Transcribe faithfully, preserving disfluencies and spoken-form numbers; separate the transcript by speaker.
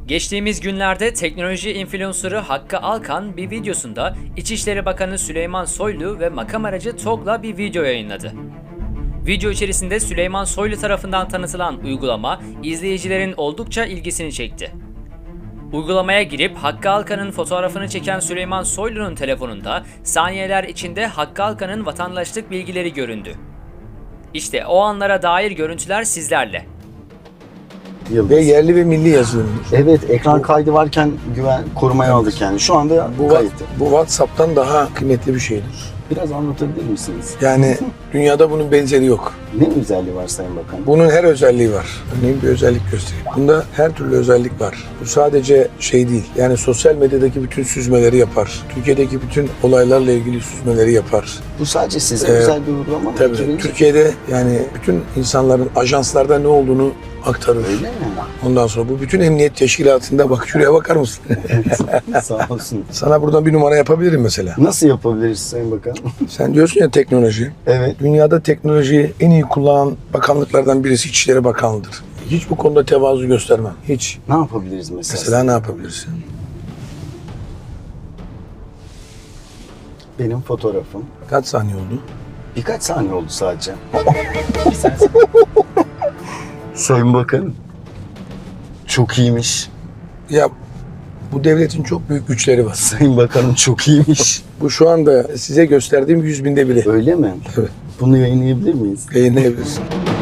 Speaker 1: Geçtiğimiz günlerde teknoloji influencer'ı Hakkı Alkan bir videosunda İçişleri Bakanı Süleyman Soylu ve makam aracı TOGG'la bir video yayınladı. Video içerisinde Süleyman Soylu tarafından tanıtılan uygulama izleyicilerin oldukça ilgisini çekti. Uygulamaya girip Hakkı Alkan'ın fotoğrafını çeken Süleyman Soylu'nun telefonunda saniyeler içinde Hakkı Alkan'ın vatandaşlık bilgileri göründü. İşte o anlara dair görüntüler sizlerle.
Speaker 2: Yıldız.
Speaker 3: Ve yerli ve milli yazılımdır.
Speaker 2: Evet, ekran kaydı varken güven korumaya aldık yani. Şu anda
Speaker 3: Bu,
Speaker 2: kayıtlı.
Speaker 3: bu WhatsApp'tan daha kıymetli bir şeydir.
Speaker 2: Biraz anlatabilir misiniz?
Speaker 3: Yani dünyada bunun benzeri yok.
Speaker 2: Ne özelliği var Sayın Bakan?
Speaker 3: Bunun her özelliği var. Örneğin bir özellik göstereyim. Bunda her türlü özellik var. Bu sadece şey değil. Yani sosyal medyadaki bütün süzmeleri yapar. Türkiye'deki bütün olaylarla ilgili süzmeleri yapar.
Speaker 2: Bu sadece size
Speaker 3: Ee,
Speaker 2: özel bir uygulama mı?
Speaker 3: Tabii
Speaker 2: Ekibiniz-
Speaker 3: Türkiye'de yani bütün insanların ajanslarda ne olduğunu aktarır.
Speaker 2: Öyle mi?
Speaker 3: Ondan sonra bu bütün emniyet teşkilatında bak şuraya bakar mısın?
Speaker 2: Sağ olsun.
Speaker 3: Sana buradan bir numara yapabilirim mesela.
Speaker 2: Nasıl yapabiliriz Sayın Bakan?
Speaker 3: Sen diyorsun ya teknoloji.
Speaker 2: Evet.
Speaker 3: Dünyada teknolojiyi en iyi kullanan bakanlıklardan birisi İçişleri Bakanlığı'dır. Hiç bu konuda tevazu göstermem. Hiç.
Speaker 2: Ne yapabiliriz mesela?
Speaker 3: Mesela ne yapabilirsin?
Speaker 2: Benim fotoğrafım.
Speaker 3: Kaç saniye oldu?
Speaker 2: Birkaç saniye oldu sadece. Sayın Bakan. Çok iyiymiş.
Speaker 3: Ya bu devletin çok büyük güçleri var.
Speaker 2: Sayın Bakanım çok iyiymiş.
Speaker 3: Bu şu anda size gösterdiğim yüz binde biri.
Speaker 2: Öyle mi?
Speaker 3: Evet.
Speaker 2: Bunu yayınlayabilir miyiz?
Speaker 3: Yayınlayabilirsin.